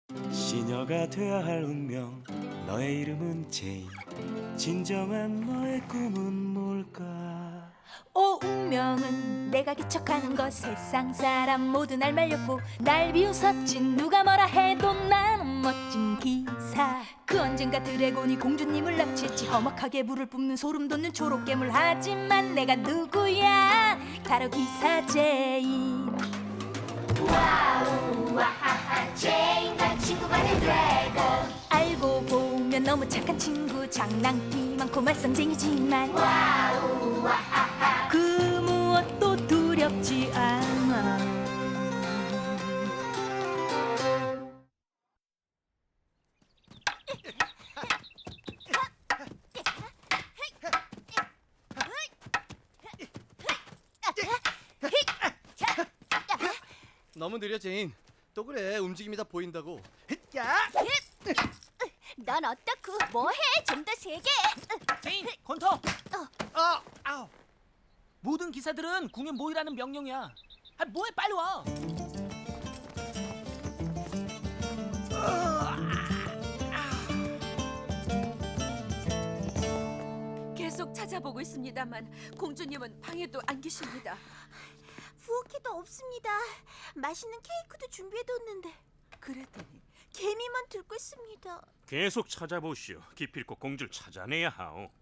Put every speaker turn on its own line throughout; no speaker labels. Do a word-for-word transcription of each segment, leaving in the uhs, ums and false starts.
시녀가 돼야 할 운명 너의 이름은 제인 진정한 너의 꿈은 뭘까
오 운명은 내가 개척하는 것 세상 사람 모두 날 말렸고 날 비웃었지 누가 뭐라 해도 나는 멋진 기사 그 언젠가 드래곤이 공주님을 납치했지 험악하게 불을 뿜는 소름 돋는 초록 괴물 하지만 내가 누구야 바로 기사 제인 와우 와하하 제인 난 친구가 된 드래곤 알고 보면 너무 착한 친구 장난기 많고 말썽쟁이지만 와우 와하하 그 무엇도 두렵지 않아
너무 느려 제인. 또 그래 움직임이 다 보인다고. 야!
넌 어떻고 뭐해 좀 더 세게
제인, 건터.
아, 아우.
모든 기사들은 궁에 모이라는 명령이야. 아, 뭐해 빨리 와.
계속 찾아보고 있습니다만 공주님은 방에도 안 계십니다.
부엌에도 없습니다 맛있는 케이크도 준비해뒀는데
그랬더니
개미만 들고 있습니다
계속 찾아보시오. 기필코 공주를 찾아내야 하오.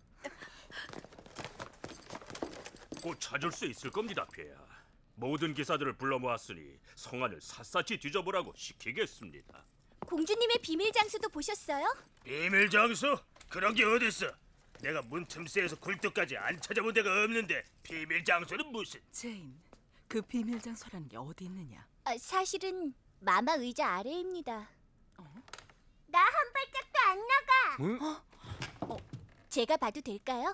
곧 찾을 수 있을 겁니다, 폐하. 모든 기사들을 불러 모았으니 성안을 샅샅이 뒤져보라고 시키겠습니다.
공주님의 비밀 장소도 보셨어요?
비밀 장소? 그런 게 어딨어? 내가 문틈새에서 굴뚝까지 안 찾아본 데가 없는데 비밀 장소는 무슨?
제인, 그 비밀 장소라는 게 어디 있느냐?
아, 사실은 마마 의자 아래입니다 나 한 발짝도 안 나가
응?
어, 제가 봐도 될까요?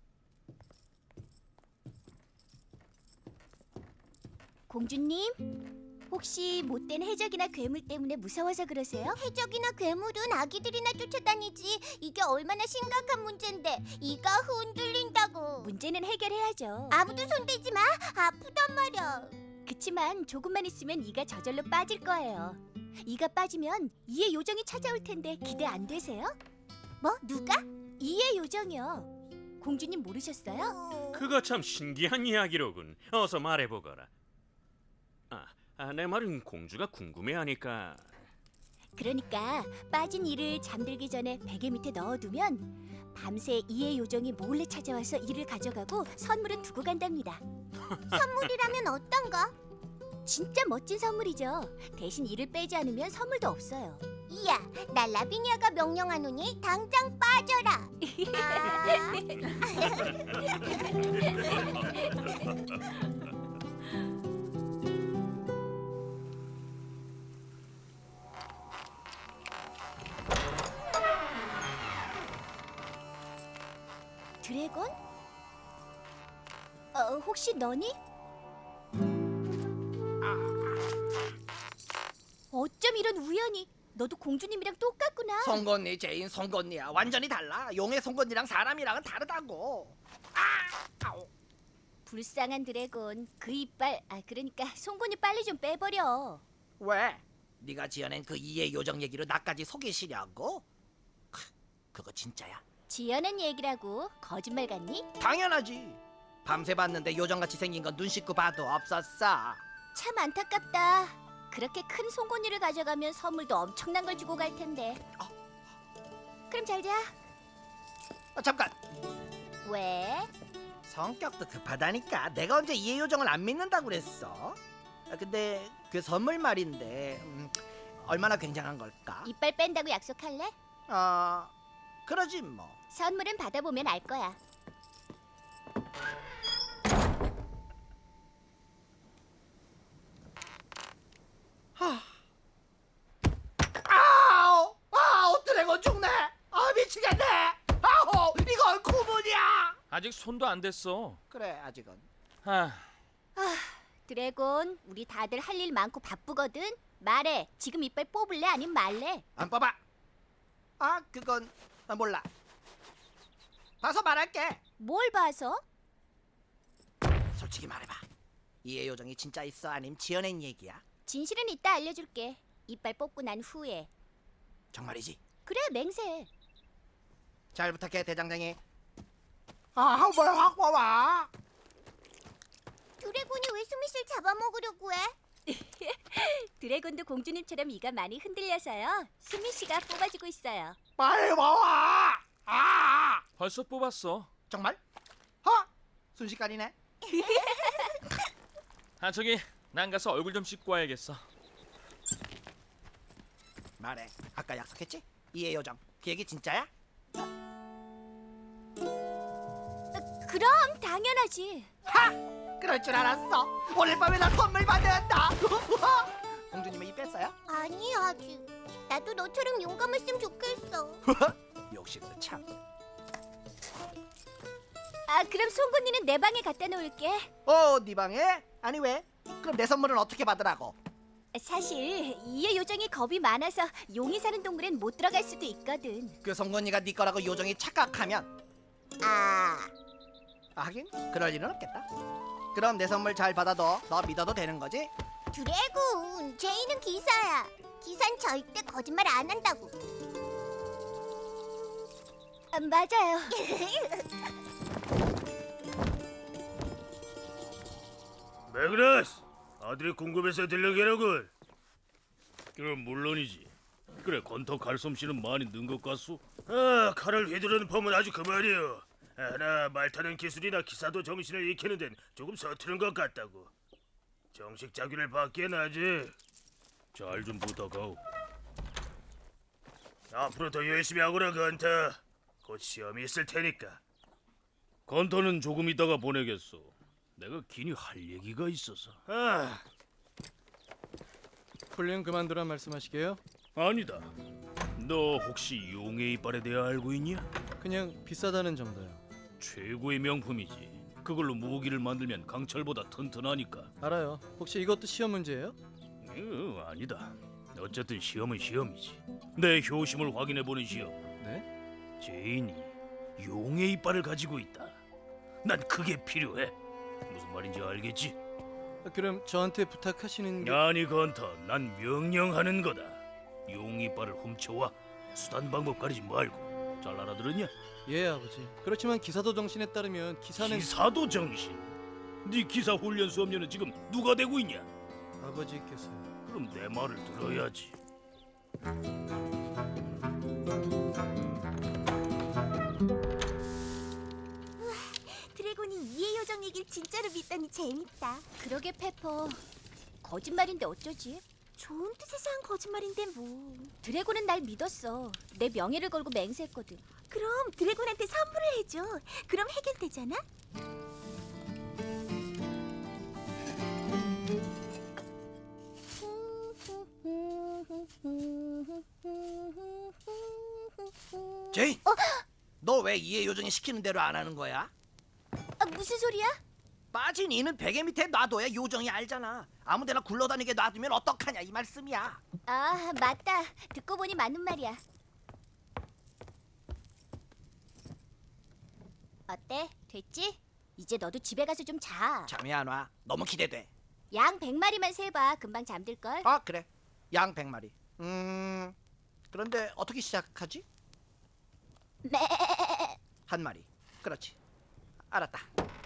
공주님, 혹시 못된 해적이나 괴물 때문에 무서워서 그러세요? 해적이나 괴물은 아기들이나 쫓아다니지. 이게 얼마나 심각한 문제인데 이가 흔들린다고. 문제는 해결해야죠. 아무도 손대지 마. 아프단 말이야. 그치만 조금만 있으면 이가 저절로 빠질 거예요. 이가 빠지면 이의 요정이 찾아올 텐데 기대 안 되세요? 뭐? 누가? 이의 요정이요. 공주님 모르셨어요?
그거 참 신기한 이야기로군. 어서 말해보거라. 아, 아, 내 말은 공주가 궁금해하니까.
그러니까 빠진 이를 잠들기 전에 베개 밑에 넣어두면 밤새 이의 요정이 몰래 찾아와서 이를 가져가고 선물은 두고 간답니다. 선물이라면 어떤 거? 진짜 멋진 선물이죠. 대신 이를 빼지 않으면 선물도 없어요. 이야, 나 라비니아가 명령하노니 당장 빠져라. 드래곤? 어, 혹시 너니? 어쩜 이런 우연이? 너도 공주님이랑 똑같구나.
송곳니 제인 송곳니야. 완전히 달라. 용의 송곳니랑 사람이랑은 다르다고. 아! 아우.
불쌍한 드래곤. 그 이빨, 아 그러니까 송곳니 빨리 좀 빼버려.
왜? 네가 지어낸 그 이의 요정 얘기로 나까지 속이시려고? 크, 그거 진짜야?
지어낸 얘기라고 거짓말 같니?
당연하지. 밤새 봤는데 요정같이 생긴 건 눈 씻고 봐도 없었어.
참 안타깝다. 그렇게 큰 송곳니를 가져가면 선물도 엄청난 걸 주고 갈 텐데. 그럼 잘 자.
아, 잠깐.
왜?
성격도 급하다니까. 내가 언제 이의 요정을 안 믿는다고 그랬어? 아, 근데 그 선물 말인데 음, 얼마나 굉장한 걸까?
이빨 뺀다고 약속할래?
아, 그러지 뭐.
선물은 받아보면 알 거야.
아우! 아우, 드래곤 죽네! 아, 미치겠네! 아우, 이건 구분이야!
아직 손도 안 댔어.
그래, 아직은.
아,
드래곤, 우리 다들 할 일 많고 바쁘거든. 말해. 지금 이빨 뽑을래? 아니면 말래?
안 뽑아. 아, 그건 아, 몰라. 봐서 말할게.
뭘 봐서?
솔직히 말해봐. 이의 요정이 진짜 있어? 아님 지어낸 얘기야?
진실은 이따 알려줄게. 이빨 뽑고 난 후에.
정말이지?
그래, 맹세.
잘 부탁해 대장장이. 아, 뭘 확 와봐.
드래곤이 왜 수미씨를 잡아먹으려고 해? 드래곤도 공주님처럼 이가 많이 흔들려서요. 수미씨가 뽑아주고 있어요.
빨리 와봐. 아,
벌써 뽑았어.
정말? 어? 순식간이네.
아 저기 난 가서 얼굴 좀 씻고 와야겠어.
말해. 아까 약속했지? 이해 요정. 그 얘기 진짜야?
그럼 당연하지.
하! 그럴 줄 알았어. 오늘 밤에 나 선물 받는다. 공주님의 입 뺐어요?
아니, 아직. 나도 너처럼 용감했으면 좋겠어.
욕심도 참.
아, 그럼 송곳니는 내 방에 갖다 놓을게.
어, 네 방에? 아니 왜? 그럼 내 선물은 어떻게 받으라고?
사실 이의 요정이 겁이 많아서 용이 사는 동굴엔 못 들어갈 수도 있거든.
그 송곳니가 네 거라고 요정이 착각하면
아,
아, 하긴 그럴 일은 없겠다. 그럼 내 선물 잘 받아도 너 믿어도 되는 거지?
드래곤, 제이는 기사야. 기사는 절대 거짓말 안 한다고. 아, 맞아요.
매그너스, 아들이 궁금해서 들려게라군. 그럼 물론이지. 그래, 건터 칼솜씨는 많이 는 것 같소? 아, 칼을 휘두르는 폼은 아주 그만이요. 하나 말 타는 기술이나 기사도 정신을 익히는 데는 조금 서투른 것 같다고. 정식 자기를 받기엔 아직. 잘 좀 부탁하오. 앞으로 더 열심히 하거라, 건터. 곧 시험이 있을 테니까. 건터는 조금 있다가 보내겠소. 내가 긴히 할 얘기가 있어서. 아,
훈련 그만두란 말씀하시게요?
아니다. 너 혹시 용의 이빨에 대해 알고 있냐?
그냥 비싸다는 정도요.
최고의 명품이지. 그걸로 무기를 만들면 강철보다 튼튼하니까.
알아요. 혹시 이것도 시험 문제예요?
어, 아니다. 어쨌든 시험은 시험이지. 내 효심을 확인해보는 시험.
네?
제인이 용의 이빨을 가지고 있다. 난 그게 필요해. 무슨 말인지 알겠지?
아, 그럼 저한테 부탁하시는 게...
아니 건터, 난 명령하는 거다. 용 이빨을 훔쳐와. 수단 방법 가리지 말고. 잘 알아들었냐?
예, 아버지. 그렇지만 기사도 정신에 따르면 기사는...
기사도 정신. 네 기사 훈련 수업료는 지금 누가 대고 있냐?
아버지께서요.
그럼 내 말을 들어야지.
드래곤이 이의 요정 얘기를 진짜로 믿다니 재밌다. 그러게, 페퍼. 거짓말인데 어쩌지? 좋은 뜻에서 한 거짓말인데 뭐. 드래곤은 날 믿었어. 내 명예를 걸고 맹세했거든. 그럼 드래곤한테 선물을 해줘. 그럼 해결되잖아?
제인! 너 왜 이해 요정이 시키는 대로 안 하는 거야?
아, 무슨 소리야?
빠진 이는 베개 밑에 놔둬야 요정이 알잖아. 아무데나 굴러다니게 놔두면 어떡하냐 이 말씀이야.
아, 맞다. 듣고 보니 맞는 말이야. 어때? 됐지? 이제 너도 집에 가서 좀 자.
잠이 안 와. 너무 기대돼.
양 백 마리만 세봐. 금방 잠들걸.
아, 그래. 양 백 마리. 음... 그런데 어떻게 시작하지?
매.
한 마리. 그렇지. 알았다.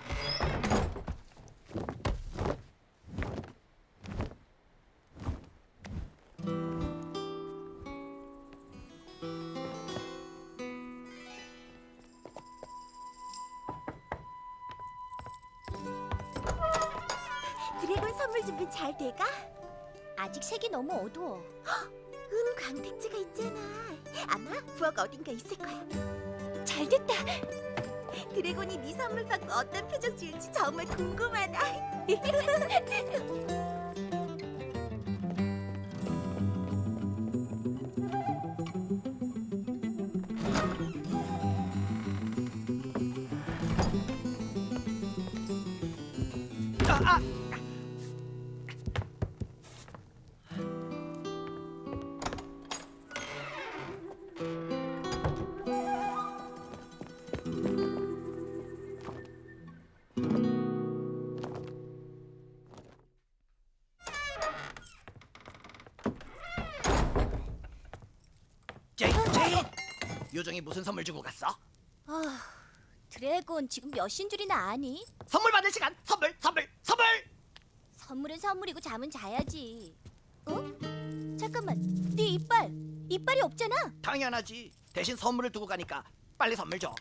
드래곤 선물 준비 잘 돼가? 아직 색이 너무 어두워. 은 광택지가 있잖아. 아마 부엌 어딘가 있을 거야. 잘 됐다. 드래곤이 네 선물 받고 어떤 표정 지을지 정말 궁금하다.
아, 아! 제인, 제인. 요정이 무슨 선물 주고 갔어?
아, 드래곤 지금 몇인 줄이나 아니?
선물 받을 시간. 선물, 선물, 선물.
선물은 선물이고 잠은 자야지. 어? 잠깐만, 네 이빨, 이빨이 없잖아.
당연하지. 대신 선물을 두고 가니까 빨리 선물 줘.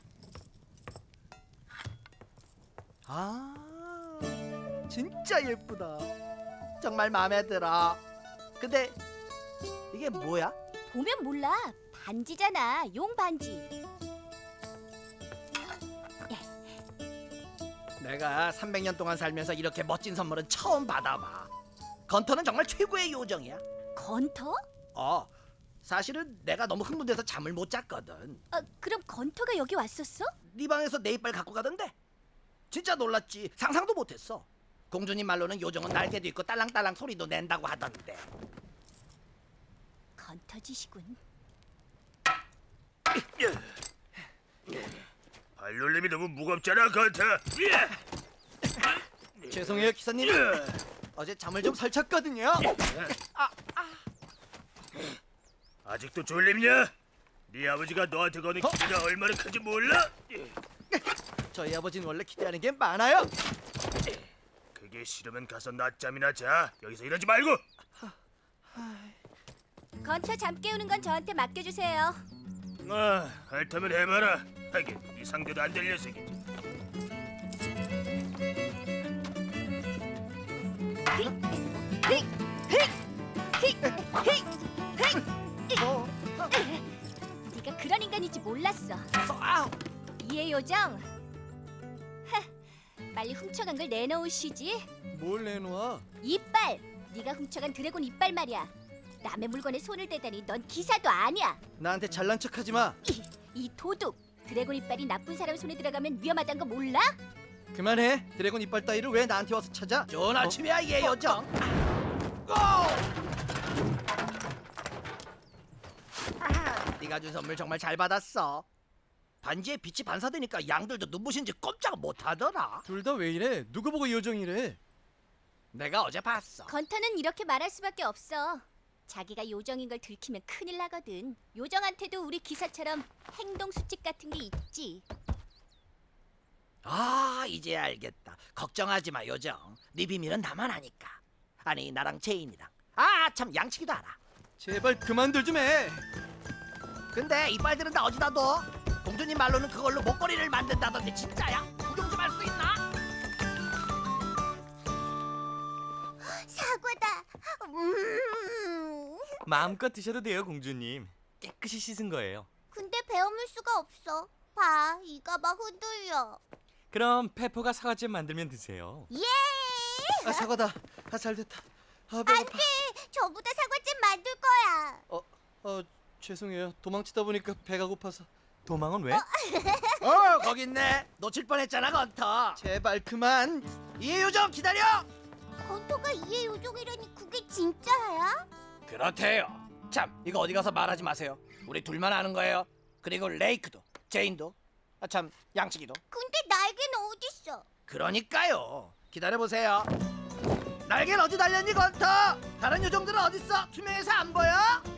아, 진짜 예쁘다. 정말 마음에 들어. 근데 이게 뭐야?
보면 몰라. 반지잖아, 용 반지.
내가 삼백 년 동안 살면서 이렇게 멋진 선물은 처음 받아봐. 건터는 정말 최고의 요정이야.
건터?
어, 사실은 내가 너무 흥분돼서 잠을 못 잤거든.
아, 그럼 건터가 여기 왔었어?
네 방에서 내 이빨 갖고 가던데. 진짜 놀랐지. 상상도 못했어. 공주님 말로는 요정은 날개도 있고 딸랑딸랑 소리도 낸다고 하던데.
건터지시군.
발놀림이 너무 무겁잖아, 건터.
죄송해요 기사님. 어제 잠을 좀 설쳤거든요.
아직도 졸립냐? 네 아버지가 너한테 거는 기대가 얼마나 큰지 몰라?
저희 아버지는 원래 기대하는 게 많아요.
그게 싫으면 가서 낮잠이나 자. 여기서 이러지 말고.
건터 잠 깨우는 건 저한테 맡겨주세요.
아, 핥으면 해봐라. 하긴 네 상대도 안 될 녀석이지.
어,
네가 그런 인간인지 몰랐어.
어, 아우.
이해 요정. 하, 빨리 훔쳐간 걸 내놓으시지.
뭘 내놓아?
이빨. 네가 훔쳐간 드래곤 이빨 말이야. 남의 물건에 손을 대다니 넌 기사도 아니야.
나한테 잘난 척하지 마.
이, 이 도둑. 드래곤 이빨이 나쁜 사람 손에 들어가면 위험하다는 거 몰라?
그만해. 드래곤 이빨 따위를 왜 나한테 와서 찾아?
좋은 아침이야, 얘 요정. 고! 아, 네가 준 선물 정말 잘 받았어. 반지에 빛이 반사되니까 양들도 눈부신지 꼼짝 못하더라.
둘 다 왜 이래? 누구 보고 요정이래?
내가 어제 봤어.
건터는 이렇게 말할 수밖에 없어. 자기가 요정인 걸 들키면 큰일 나거든. 요정한테도 우리 기사처럼 행동 수칙 같은 게 있지.
아, 이제 알겠다. 걱정하지 마, 요정. 네 비밀은 나만 아니까. 아니, 나랑 제인이랑. 아, 참 양치기도 알아.
제발 그만들 좀 해.
근데 이빨들은 다 어디다 둬? 공주님 말로는 그걸로 목걸이를 만든다던데 진짜야? 구경 좀 할 수 있나?
사과다. 음.
마음껏 드셔도 돼요, 공주님. 깨끗이 씻은 거예요.
근데 베어물 수가 없어. 봐, 이가 막 흔들려.
그럼 페퍼가 사과잼 만들면 드세요.
예!
아 사과다. 아 잘됐다. 아 배고파.
저보다 사과잼 만들 거야.
어, 어 죄송해요. 도망치다 보니까 배가 고파서.
도망은 왜?
어, 거기 있네. 놓칠 뻔했잖아, 건터.
제발 그만.
이 요정 기다려.
건토가 이해 요정이라니 그게 진짜야?
그렇대요. 참, 이거 어디 가서 말하지 마세요. 우리 둘만 아는 거예요. 그리고 레이크도, 제인도, 아 참, 양치기도.
근데 날개는 어딨어?
그러니까요. 기다려 보세요. 날개는 어디 달렸니, 건터? 다른 요정들은 어딨어? 투명해서 안 보여?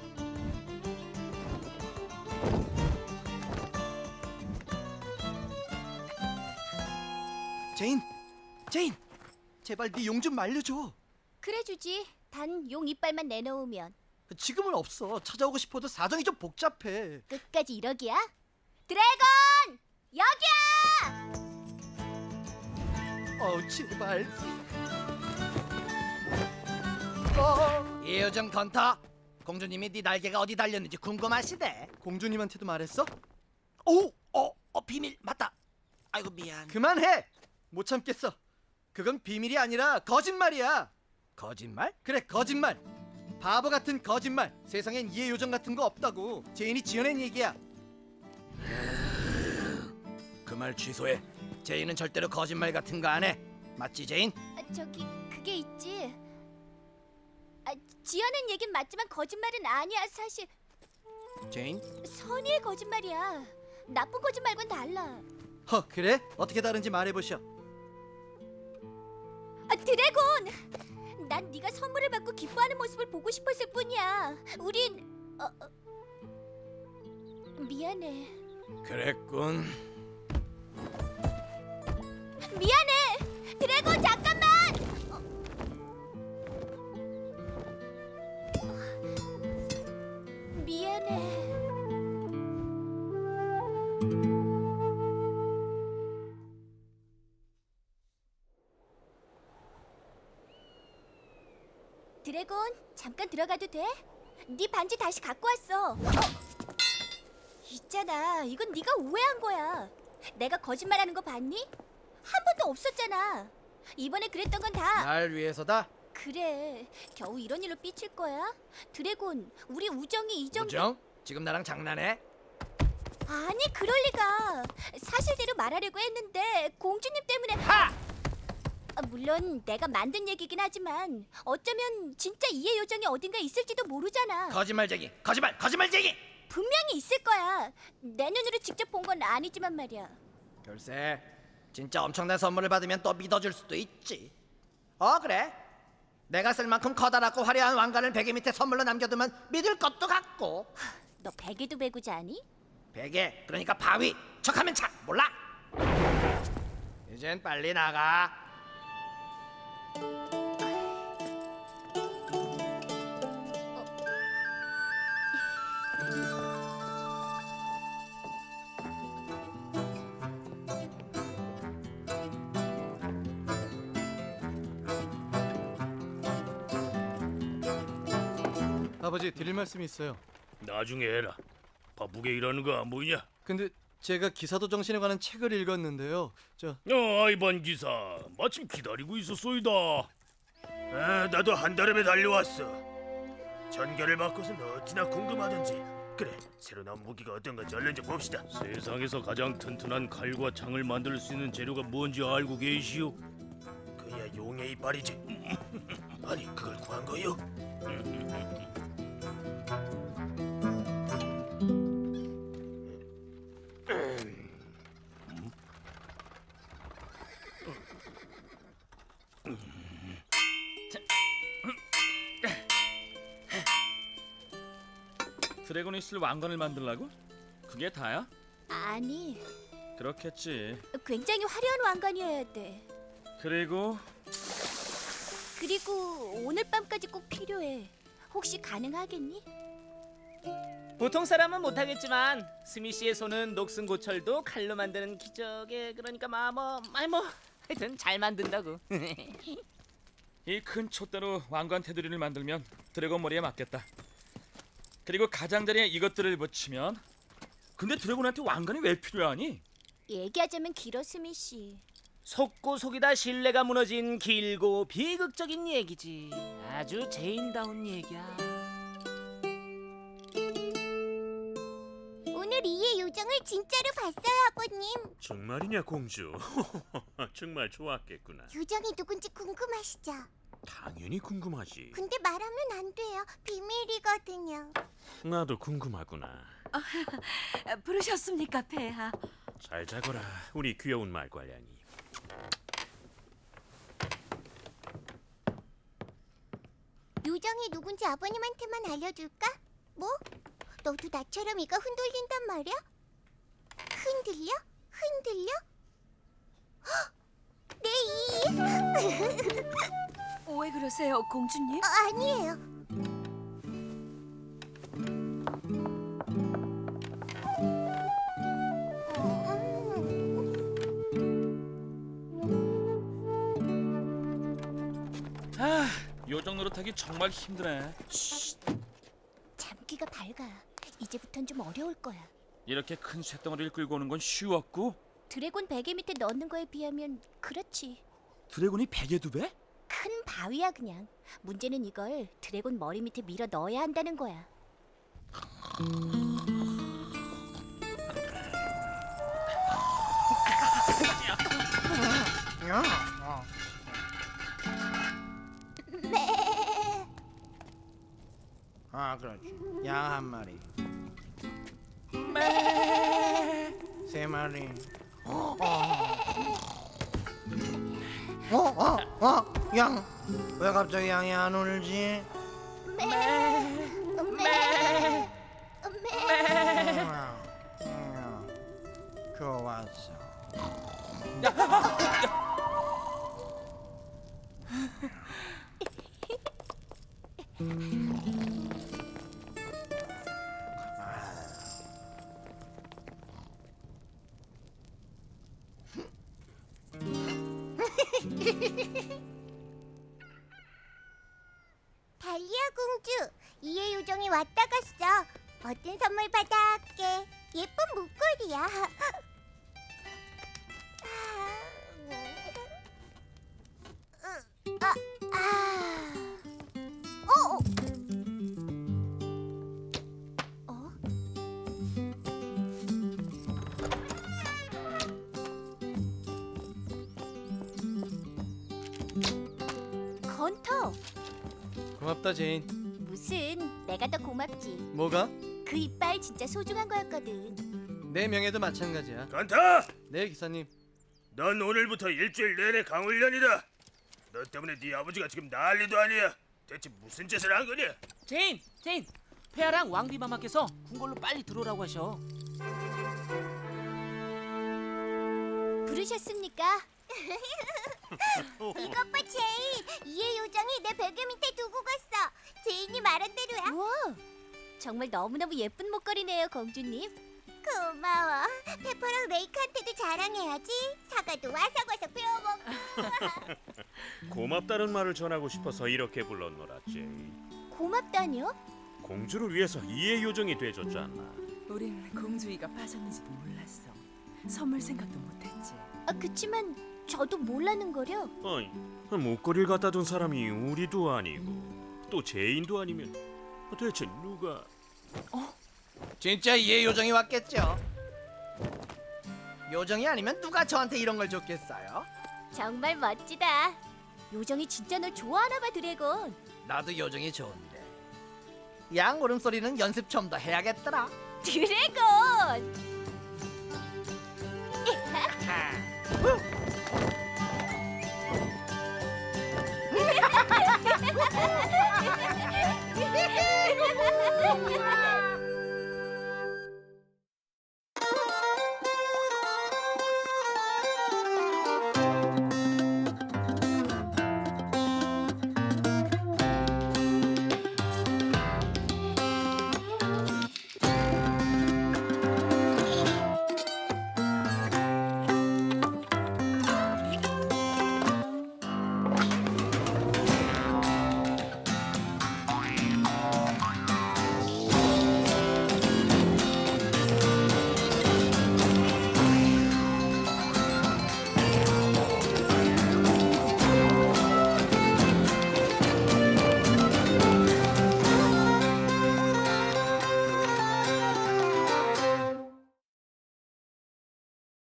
제인, 제인. 제발 네 용 좀 말려줘.
그래 주지. 단 용 이빨만 내놓으면.
지금은 없어. 찾아오고 싶어도 사정이 좀 복잡해.
끝까지 이러기야? 드래곤! 여기야!
어우 제발.
이 요정 건터. 공주님이 네 날개가 어디 달렸는지 궁금하시대.
공주님한테도 말했어?
오, 어, 어 비밀 맞다. 아이고 미안.
그만해. 못 참겠어. 그건 비밀이 아니라 거짓말이야.
거짓말?
그래 거짓말. 바보 같은 거짓말. 세상엔 이해 요정 같은 거 없다고. 제인이 지어낸 얘기야.
그 말 취소해. 제인은 절대로 거짓말 같은 거 안 해. 맞지, 제인?
아, 저기 그게 있지. 아, 지어낸 얘긴 맞지만 거짓말은 아니야. 사실
제인?
선의의 거짓말이야. 나쁜 거짓말과는 달라.
허 그래? 어떻게 다른지 말해보셔.
아, 드래곤! 난 네가 선물을 받고 기뻐하는 모습을 보고 싶었을 뿐이야. 우린 어, 어, 미안해.
그랬군.
미안해. 드래곤 잠깐만. 어. 미안해. 드래곤, 잠깐 들어가도 돼? 네 반지 다시 갖고 왔어. 어? 있잖아, 이건 네가 오해한 거야. 내가 거짓말하는 거 봤니? 한 번도 없었잖아. 이번에 그랬던 건 다
날 위해서다.
그래. 겨우 이런 일로 삐칠 거야? 드래곤, 우리 우정이 이 정도.
우정? 지금 나랑 장난해?
아니, 그럴 리가. 사실대로 말하려고 했는데 공주님 때문에.
하!
아, 물론 내가 만든 얘기긴 하지만 어쩌면 진짜 이해 요정이 어딘가 있을지도 모르잖아.
거짓말쟁이, 거짓말, 거짓말쟁이.
분명히 있을 거야. 내 눈으로 직접 본 건 아니지만 말이야.
글쎄, 진짜 엄청난 선물을 받으면 또 믿어줄 수도 있지. 어, 그래. 내가 쓸 만큼 커다랗고 화려한 왕관을 베개 밑에 선물로 남겨두면 믿을 것도 같고.
너 베개도 베고자 하니?
베개, 그러니까 바위. 척하면 착, 몰라? 이젠 빨리 나가.
아버지 드릴 말씀이 있어요.
나중에 해라. 바쁘게 일하는 거 안 보이냐?
근데 제가 기사도 정신에 관한 책을 읽었는데요. 저
어, 아이반 기사. 마침 기다리고 있었소이다. 아, 나도 한달음에 달려왔어. 전결을 바꿔서 어찌나 궁금하던지. 그래, 새로 나온 무기가 어떤 건지 얼른 좀 봅시다. 세상에서 가장 튼튼한 칼과 창을 만들 수 있는 재료가 뭔지 알고 계시오? 그야 용의 이빨이지. 아니, 그걸 구한 거요?
드래곤이 쓸 왕관을 만들라고? 그게 다야?
아니,
그렇겠지.
굉장히 화려한 왕관이어야 돼.
그리고
그리고 오늘 밤까지 꼭 필요해. 혹시 가능하겠니?
보통 사람은 못하겠지만 스미 씨의 손은 녹슨 고철도 칼로 만드는 기적에 그러니까 마뭐 아니 뭐 하여튼 잘 만든다고.
이 큰 촛대로 왕관 테두리를 만들면 드래곤 머리에 맞겠다. 그리고 가장자리에 이것들을 붙이면. 근데 드래곤한테 왕관이 왜 필요하니?
얘기하자면 길어, 스미 씨.
속고 속이다 신뢰가 무너진 길고 비극적인 얘기지. 아주 제인다운 얘기야.
오늘 이해 요정을 진짜로 봤어요, 아버님.
정말이냐, 공주? 정말 좋았겠구나.
요정이 누군지 궁금하시죠?
당연히 궁금하지.
근데 말하면 안 돼요. 비밀이거든요.
나도 궁금하구나.
부르셨습니까, 폐하?
잘 자거라, 우리 귀여운 말괄량이.
요정이 누군지 아버님한테만 알려줄까? 뭐? 너도 나처럼 이가 흔들린단 말이야? 흔들려? 흔들려? 헉! 내 이!
왜 그러세요, 공주님?
어, 아니에요.
아, 요정 노릇하기 정말 힘드네.
잠기가 밝아. 이제부턴 좀 어려울 거야.
이렇게 큰 쇳덩어리를 끌고 오는 건 쉬웠고,
드래곤 베개 밑에 넣는 거에 비하면 그렇지.
드래곤이 베개 두 배?
큰 바위야 그냥. 문제는 이걸 드래곤 머리 밑에 밀어 넣어야 한다는 거야.
아, 그렇지. 양 한 마리. 세 마리. 어, 어, 어, 어, 양. 왜 갑자기 양이 안 울지?
매. 매. 매.
음,
달리아 공주, 이해 요정이 왔다 갔어. 어떤 선물 받아올게. 예쁜 목걸이야. 아, 아. 어, 어. 어? 건터.
고맙다 제인.
무슨, 내가 더 고맙지.
뭐가?
그 이빨 진짜 소중한 거였거든.
내 명예도 마찬가지야.
간타!
네 기사님.
넌 오늘부터 일주일 내내 강훈련이다. 너 때문에 네 아버지가 지금 난리도 아니야. 대체 무슨 짓을 한 거냐?
제인, 제인, 폐하랑 왕비마마께서 궁궐로 빨리 들어오라고 하셔.
부르셨습니까? 이것 봐 제인, 이해 요정이 내 베개 밑에 두고 갔어. 제인이 말한 대로야. 우와, 정말 너무너무 예쁜 목걸이네요, 공주님. 고마워. 페퍼랑 레이크한테도 자랑해야지. 사과도 와삭와삭 베어먹고.
고맙다는 말을 전하고 싶어서 이렇게 불렀노라 제이.
고맙다뇨?
공주를 위해서 이해 요정이 돼줬잖아.
우린 공주이가 빠졌는지도 몰랐어. 선물 생각도 못했지.
아, 그치만 저도 몰라는 거려.
아니 목걸이를 갖다 둔 사람이 우리도 아니고 또 제인도 아니면 대체 누가?
진짜 이해 요정이 왔겠죠. 요정이 아니면 누가 저한테 이런 걸 줬겠어요?
정말 멋지다. 요정이 진짜 널 좋아하나 봐, 드래곤.
나도 요정이 좋은데 양 울음소리는 연습 좀 더 해야겠더라.
드래곤!